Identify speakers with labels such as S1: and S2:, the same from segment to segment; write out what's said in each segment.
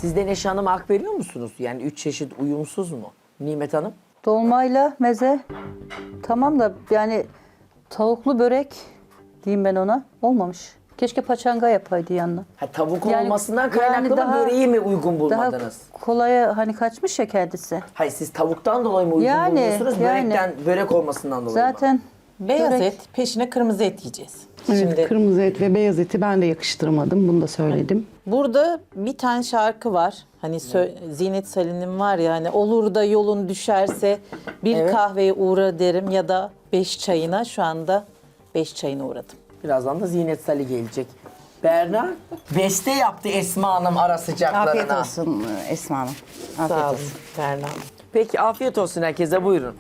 S1: Siz de Neşe Hanım'a hak veriyor musunuz? Yani 3 çeşit uyumsuz mu? Nimet Hanım?
S2: Dolmayla meze tamam da yani tavuklu börek diyeyim ben ona olmamış. Keşke paçanga yapaydı yanına.
S1: Ha, tavuk
S2: Yani-
S1: olmasından kaynaklı
S2: yani
S1: mı
S2: daha-
S1: böreği mi uygun
S2: Daha
S1: bulmadınız?
S2: kolaya hani kaçmış ya kendisi.
S1: Hayır siz tavuktan dolayı mı uygun
S2: Yani,
S1: bulmuyorsunuz?
S2: yani.
S1: Börekten, börek olmasından dolayı mı?
S2: Zaten
S3: Beyaz
S2: börek-
S3: et, peşine kırmızı et yiyeceğiz.
S4: Evet,
S3: Şimdi
S4: kırmızı et ve beyaz eti ben de yakıştıramadım. Bunu da söyledim.
S3: burada bir tane şarkı var. Hani Zinet Salih'in var ya hani olur da yolun düşerse bir
S1: Evet.
S3: kahveye uğra derim ya da 5 çayına. Şu anda 5 çayına uğradım.
S1: Birazdan da Zinet Salih gelecek. Berna beste yaptı Esma Hanım ara sıcaklarına.
S5: Afiyet olsun Esma Hanım. Afiyet
S3: Sağ olun
S5: olsun.
S3: Berna.
S1: Peki afiyet olsun herkese, buyurun.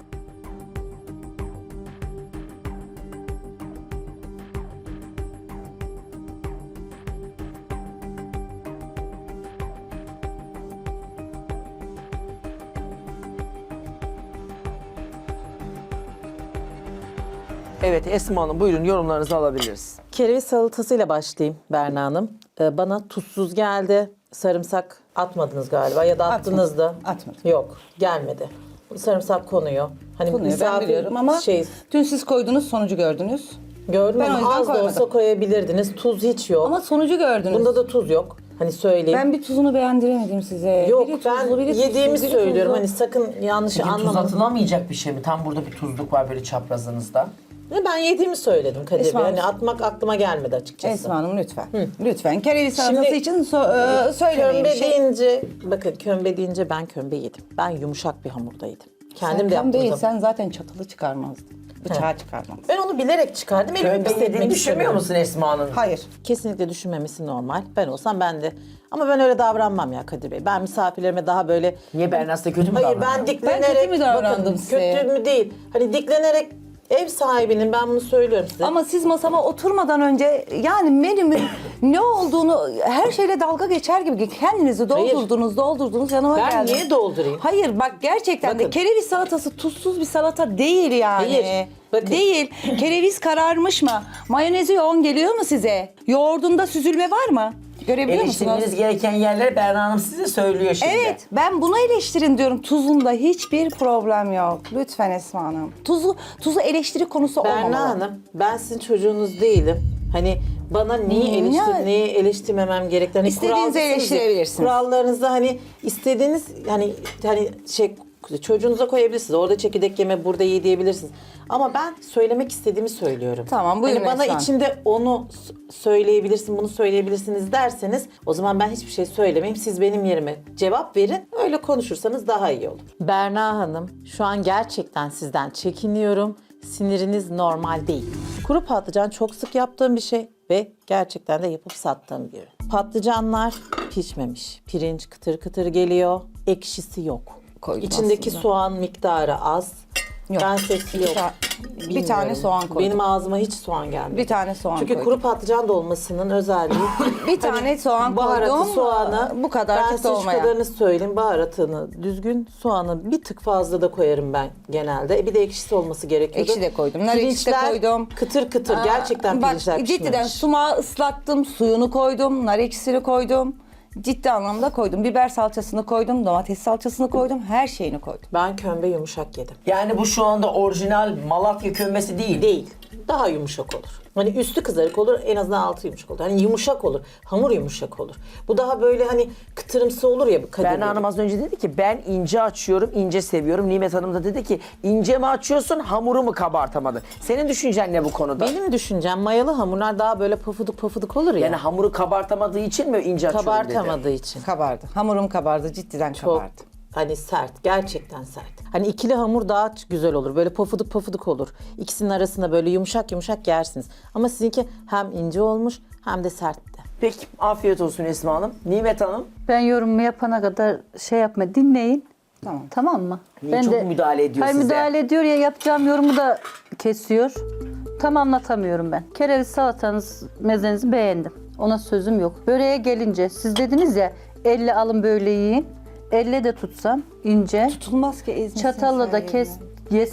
S1: Evet Esma Hanım, buyurun, yorumlarınızı alabiliriz.
S3: Kereviz salatasıyla başlayayım Berna Hanım. Bana tuzsuz geldi. Sarımsak atmadınız galiba ya da attınız da.
S5: Atmadım.
S3: Yok, gelmedi. Sarımsak konuyor. Hani
S5: Konuyu ben biliyorum ama dün siz koydunuz sonucu gördünüz.
S3: gördüm
S5: ben o
S3: ama
S5: yüzden
S3: az da olsa
S5: koymadım.
S3: koyabilirdiniz. Tuz hiç yok.
S5: Ama sonucu gördünüz.
S3: Bunda da tuz yok. Hani söyleyeyim.
S5: Ben bir tuzunu beğendiremedim size.
S3: Yok
S5: Biri tuzlu,
S3: ben
S5: biri
S3: yediğimi
S5: tuzsuz, biri
S3: söylüyorum.
S5: tuzlu.
S3: Hani sakın yanlış
S1: Peki tuz
S3: anlamayın.
S1: atılamayacak bir şey mi? Tam burada bir tuzluk var böyle çaprazınızda.
S3: Ben yediğimi söyledim Kadir Bey.
S5: Esma
S3: Hani
S5: Hanım.
S3: atmak aklıma gelmedi açıkçası.
S5: Esma Hanım lütfen. Lütfen. Kereviz salatası
S3: Şimdi-
S5: için söylemeyin bir
S3: Kömbe
S5: şey.
S3: deyince, bakın kömbe deyince ben kömbe yedim. Ben yumuşak bir hamurda yedim. Kendim de yaptım.
S5: Değil,
S3: da.
S5: sen zaten çatalı çıkarmazdın. Bıçağı çıkarmazdın.
S3: Ben onu bilerek çıkardım. Elimi
S1: Kömbe
S3: pisletmek
S1: yediğini düşünmüyor
S3: istemiyorum.
S1: musun Esma Hanım?
S5: Hayır.
S3: Kesinlikle düşünmemesi normal. Ben olsam ben de. Ama ben öyle davranmam ya Kadir Bey. Ben misafirlerime daha böyle...
S1: Niye, Berna size kötü mü
S3: Hayır
S1: davranıyor?
S3: ben diklenerek...
S5: kötü mü davrandım
S3: bakın,
S5: size?
S3: Kötü mü değil. Hani diklenerek ev sahibinin, ben bunu söylüyorum size.
S5: Ama siz masama oturmadan önce yani menümün ne olduğunu her şeyle dalga geçer gibi kendinizi doldurdunuz yanıma
S3: Ben
S5: geldiniz.
S3: niye doldurayım?
S5: Hayır bak gerçekten de
S3: Bakın.
S5: kereviz salatası tuzsuz bir salata değil yani.
S3: Hayır, bakın.
S5: Değil. Kereviz kararmış mı? Mayonezi yoğun geliyor mu size? Yoğurdunda süzülme var mı? Görebiliyor musunuz?
S1: Eleştirmeniz gereken yerleri Berna Hanım size söylüyor şimdi.
S5: Evet, ben bunu eleştirin diyorum. Tuzunda hiçbir problem yok. Lütfen Esma Hanım. Tuzu eleştiri konusu olmamalı.
S3: Berna Hanım, ben sizin çocuğunuz değilim. Hani bana neyi
S5: yani-
S3: neyi eleştirmemem gerektiğini hani
S5: İstediğinizi
S3: kuralsız ya.
S5: eleştirebilirsiniz.
S3: Kurallarınızda hani istediğiniz hani şey çocuğunuza koyabilirsiniz. Orada çekirdek yeme, burada ye diyebilirsiniz. Ama ben söylemek istediğimi söylüyorum.
S5: Tamam, buyurun
S3: Hani bana
S5: Esra Hanım.
S3: içinde onu söyleyebilirsin, bunu söyleyebilirsiniz derseniz o zaman ben hiçbir şey söylemeyeyim. Siz benim yerime cevap verin. Öyle konuşursanız daha iyi olur. Berna Hanım, şu an gerçekten sizden çekiniyorum. Siniriniz normal değil. Kuru patlıcan çok sık yaptığım bir şey ve gerçekten de yapıp sattığım bir ürün. Patlıcanlar pişmemiş. Pirinç kıtır kıtır geliyor. Ekşisi yok.
S5: Koydum
S3: İçindeki
S5: aslında.
S3: soğan miktarı az.
S5: Yok.
S3: Ben sesi
S5: Bir
S3: yok.
S5: ta- bir tane
S3: Bilmiyorum.
S5: soğan koydum.
S3: Benim ağzıma hiç soğan gelmedi.
S5: Bir tane soğan
S3: Çünkü
S5: koydum.
S3: kuru patlıcan dolmasının özelliği
S5: Bir tane soğan
S3: baharatı,
S5: koydum.
S3: soğanı.
S5: Bu kadar
S3: ben
S5: kötü
S3: size şu
S5: olmayan.
S3: kadarını söyleyeyim. Baharatını düzgün, soğanı bir tık fazla da koyarım ben genelde. Bir de ekşisi olması gerekiyordu.
S5: Ekşi de koydum, nar ekşisi de
S3: Pirinçler
S5: koydum.
S3: Kıtır kıtır. Gerçekten
S5: Bak
S3: pirinçler
S5: cidden
S3: pişmemiş.
S5: sumağı ıslattım, suyunu koydum, nar ekşisini koydum. Ciddi anlamda koydum. Biber salçasını koydum, domates salçasını koydum, her şeyini koydum.
S3: Ben kömbe yumuşak yedim.
S1: Yani bu şu anda orijinal Malatya kömbesi değil.
S3: Değil. Daha yumuşak olur. Hani üstü kızarık olur, en azından altı yumuşak olur. Hani yumuşak olur, hamur yumuşak olur. Bu daha böyle hani kıtırımsı olur ya. Kadir
S1: Berna
S3: Bey.
S1: Hanım az önce dedi ki ben ince açıyorum, ince seviyorum. Nimet Hanım da dedi ki ince mi açıyorsun, hamuru mu kabartamadı? Senin düşüncen ne bu konuda?
S3: Benim düşüncem mayalı hamurlar daha böyle pafuduk pafuduk olur ya.
S1: Yani hamuru kabartamadığı için mi ince açıyorum dedi?
S3: kabartamadığı için.
S5: Kabardı. Hamurum kabardı, ciddiden
S3: Çok
S5: kabardı.
S3: hani sert, gerçekten sert. Hani ikili hamur daha güzel olur. Böyle pofuduk pofuduk olur. İkisinin arasında böyle yumuşak yumuşak yersiniz. Ama sizinki hem ince olmuş hem de sertti.
S1: Peki afiyet olsun Esma Hanım. Nimet Hanım.
S2: ben yorumumu yapana kadar şey yapma dinleyin.
S5: Tamam.
S2: Tamam mı?
S1: Niye çok müdahale ediyor
S2: Hayır,
S1: size?
S2: müdahale ediyor ya, yapacağım yorumu da kesiyor. Tam anlatamıyorum ben. Kereviz salatanız, mezenizi beğendim. Ona sözüm yok. Böreğe gelince siz dediniz ya elle alın böyle yiyin. Elle de tutsam ince.
S5: Tutulmaz ki ezmesin.
S2: Çatalla da yesem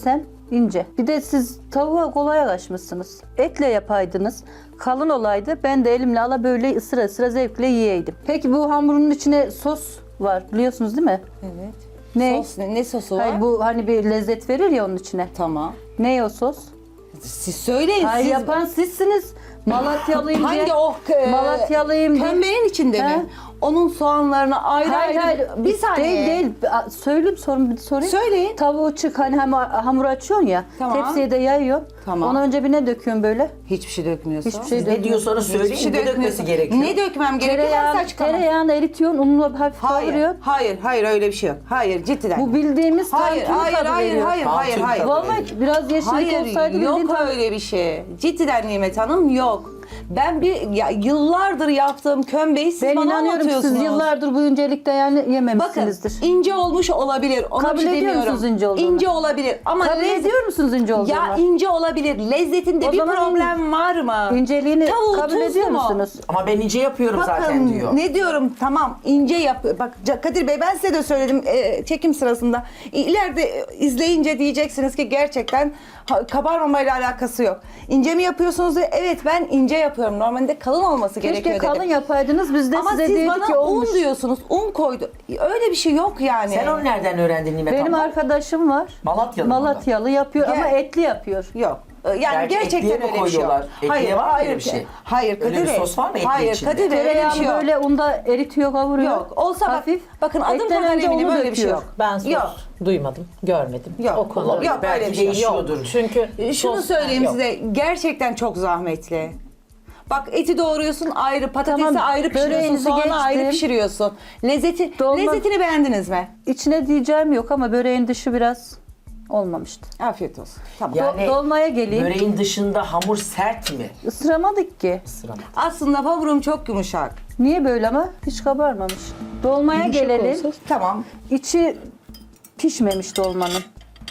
S2: İnce. Bir de siz tavuğa kolay kaçmışsınız. Etle yapaydınız. Kalın olaydı. Ben de elimle ala böyle ısıra ısıra zevkle yiyeydim. Peki bu hamurun içine sos var. Biliyorsunuz değil mi?
S5: Evet.
S2: Ne?
S5: Sos ne sosu var?
S2: Hayır, bu hani bir lezzet verir ya onun içine.
S5: Tamam.
S2: Ne o sos?
S5: Siz söyleyin.
S2: Hayır,
S5: siz...
S2: yapan sizsiniz. Malatyalıyım diye.
S5: Hangi o
S2: Malatyalıyım diye.
S5: kömbeğin içinde
S2: He?
S5: mi? Onun soğanlarını ayrı ayrı. Bir saniye.
S2: Değil. Söyleyeyim sorun bir sorayım.
S5: Söyleyin.
S2: Tavuğu çık hani hamur açıyorsun ya.
S5: Tamam.
S2: Tepsiye de yayıyorsun.
S5: Tamam.
S2: Ondan önce bir ne döküyorsun böyle?
S5: Hiçbir şey dökmüyorsa.
S2: Hiçbir şey
S1: Ne
S2: dökmüyorsun.
S1: diyorsanız söyleyin,
S5: Hiçbir şey
S1: ne dökmesi
S5: dökmüyorsa.
S1: gerekiyor?
S5: Ne dökmem gerekiyor? Ben size açıklamam.
S2: Tereyağını eritiyorsun, ununu hafif kavuruyorsun.
S5: Hayır öyle bir şey yok. Hayır cidden.
S2: Bu bildiğimiz
S5: hayır
S2: tantuni tadı veriyor.
S5: hayır.
S1: Vallahi
S2: Biraz yeşillik olsaydı
S5: yok
S2: bildiğin tadı.
S5: öyle bir şey. Cidden Nimet Hanım yok. Ben yıllardır yaptığım kömbeyi siz
S2: Ben
S5: bana
S2: inanıyorum ki
S5: anlatıyorsunuz.
S2: siz yıllardır bu incelikte yani
S5: Bakın
S2: yememişsinizdir.
S5: ince olmuş olabilir. Ona
S2: Kabul
S5: bir şey
S2: ediyor
S5: demiyorum.
S2: musunuz ince olduğunu?
S5: İnce olabilir ama
S2: Kabul ediyor musunuz ince olduğunu?
S5: Ya ince olabilir. Lezzetinde
S2: O
S5: bir
S2: zaman
S5: problem var mı?
S2: İnceliğini
S5: Tavuğu
S2: kabul
S5: tuzlu
S2: ediyor
S5: mu?
S2: musunuz?
S1: Ama ben ince yapıyorum zaten
S5: Bakın
S1: diyor.
S5: ne diyorum tamam ince yap. Bak Kadir Bey ben size de söyledim çekim sırasında. İleride izleyince diyeceksiniz ki gerçekten kabarmamayla alakası yok. İnce mi yapıyorsunuz diye. Evet ben ince yapıyorum. Normalde kalın olması gerekiyor
S2: Keşke
S5: dedim.
S2: kalın yapaydınız biz de
S5: Ama
S2: size
S5: siz
S2: dedik
S5: bana
S2: ki olmuş.
S5: un diyorsunuz. Un koydu. Öyle bir şey yok yani.
S1: Sen onu nereden öğrendin Nimet
S2: Benim
S1: abla?
S2: arkadaşım var.
S1: Malatyalı mı?
S2: Malatyalı yapıyor
S5: Gel.
S2: ama etli yapıyor.
S5: Yok. Yani
S1: Gerçi
S5: gerçekten
S1: etliye mi
S5: öyle bir şey yok.
S1: koyuyorlar? Etliye var mı öyle bir şey?
S5: Hayır Kadir
S1: Öyle bir
S5: Bey.
S1: sos var mı etli
S5: Hayır
S1: içinde?
S5: Kadir Bey öyle bir
S2: Tereyağını
S5: şey yok.
S2: böyle unda eritiyor, kavuruyor.
S5: Yok. Olsa
S2: hafif.
S5: bakın adım
S2: Etten
S5: kadar
S2: önce
S5: eminim
S2: unu
S5: öyle bir şey
S2: döküyor.
S5: yok.
S3: Ben sos
S5: Yok.
S3: duymadım, görmedim.
S5: Yok.
S3: O konuda.
S5: Yok
S1: Belki
S5: öyle bir şey yok.
S1: değişiyordur.
S3: Çünkü
S5: Şunu
S3: sos-
S5: söyleyeyim
S3: yok.
S5: size. Gerçekten çok zahmetli. Bak eti doğruyorsun ayrı, patatesi
S2: Tamam,
S5: ayrı pişiriyorsun,
S2: böreğinizi
S5: soğanı ayrı
S2: geçtim.
S5: pişiriyorsun.
S2: Dolma-
S5: Lezzetini beğendiniz mi?
S2: İçine diyeceğim yok ama böreğin dışı biraz olmamıştı.
S5: Afiyet olsun. Tamam.
S1: Yani
S2: Dolmaya geleyim.
S1: böreğin dışında hamur sert mi?
S2: Isıramadık ki.
S1: Sırama.
S5: Aslında hamurum çok yumuşak.
S2: Niye böyle ama? Hiç kabarmamış. Dolmaya gelelim.
S5: Tamam.
S2: İçi pişmemiş dolmanın.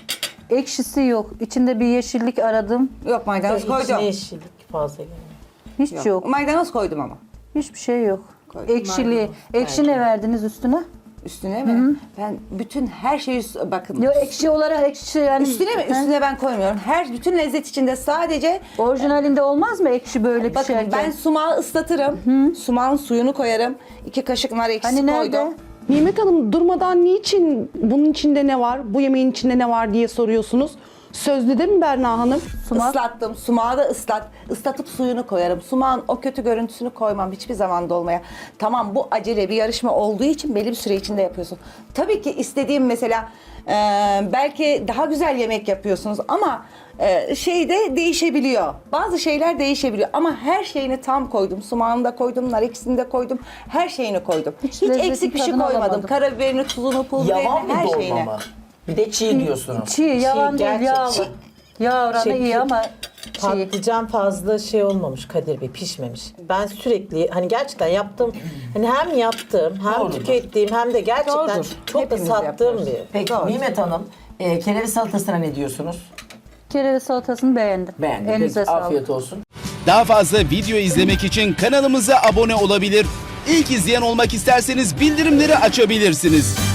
S2: Ekşisi yok. İçinde bir yeşillik aradım.
S5: Yok maydanoz
S3: İçine
S5: koydum.
S3: yeşillik fazla gelmiyor.
S2: Hiç yok.
S5: Maydanoz koydum ama.
S2: Hiçbir şey yok.
S5: Koydum.
S2: Ekşiliği. Ekşi ne verdiniz üstüne?
S5: Üstüne mi? Ben bütün her şeyi bakın.
S2: Yok ekşi olarak ekşi yani.
S5: Üstüne mi? Üstüne ben koymuyorum. Bütün lezzet içinde sadece
S2: Orijinalinde olmaz mı ekşi böyle
S5: bakın
S2: pişerken?
S5: ben sumağı ıslatırım. Sumağın suyunu koyarım. 2 kaşık nar ekşisi
S2: Hani nerede?
S5: koydum.
S4: Nimet Hanım durmadan niçin bunun içinde ne var, bu yemeğin içinde ne var diye soruyorsunuz. Sözlüde mi Berna Hanım?
S2: Sumak.
S5: Islattım. Sumağı da ıslatıp suyunu koyarım. Sumağın o kötü görüntüsünü koymam hiçbir zaman dolmaya. Tamam bu acele bir yarışma olduğu için belli bir süre içinde yapıyorsun. Tabii ki istediğim mesela belki daha güzel yemek yapıyorsunuz ama şey de değişebiliyor. Bazı şeyler değişebiliyor ama her şeyini tam koydum. Sumağını da koydum, nar ekşisini de koydum. Her şeyini koydum. Hiç
S2: lezzetin
S5: eksik bir şey
S2: tadını
S5: koymadım.
S2: alamadım.
S5: Karabiberini, tuzunu, pul
S1: Yavan
S5: biberini,
S1: bir
S5: her
S1: dolma
S5: şeyini.
S1: mı? Bir de çiğ diyorsunuz.
S2: Çiğ, yalan değil,
S3: gerçek-
S2: yağ var. Yağ oranı
S3: Şey,
S2: iyi ama çiğ.
S3: Patlıcan fazla şey olmamış Kadir Bey, pişmemiş. Ben sürekli hani gerçekten yaptım, hani hem yaptım hem
S1: Doğrudur.
S3: tükettiğim hem de gerçekten
S5: Doğrudur.
S3: çok
S5: Hepimiz
S3: da sattığım
S5: yapıyoruz.
S3: bir.
S1: Peki Nimet Hanım, kereviz salatasına ne diyorsunuz?
S2: Kereviz salatasını beğendim.
S1: Beğendim.
S2: Elinize
S1: Peki,
S2: sağlık.
S1: afiyet olsun.
S6: Daha fazla video izlemek için kanalımıza abone olabilir. İlk izleyen olmak isterseniz bildirimleri açabilirsiniz.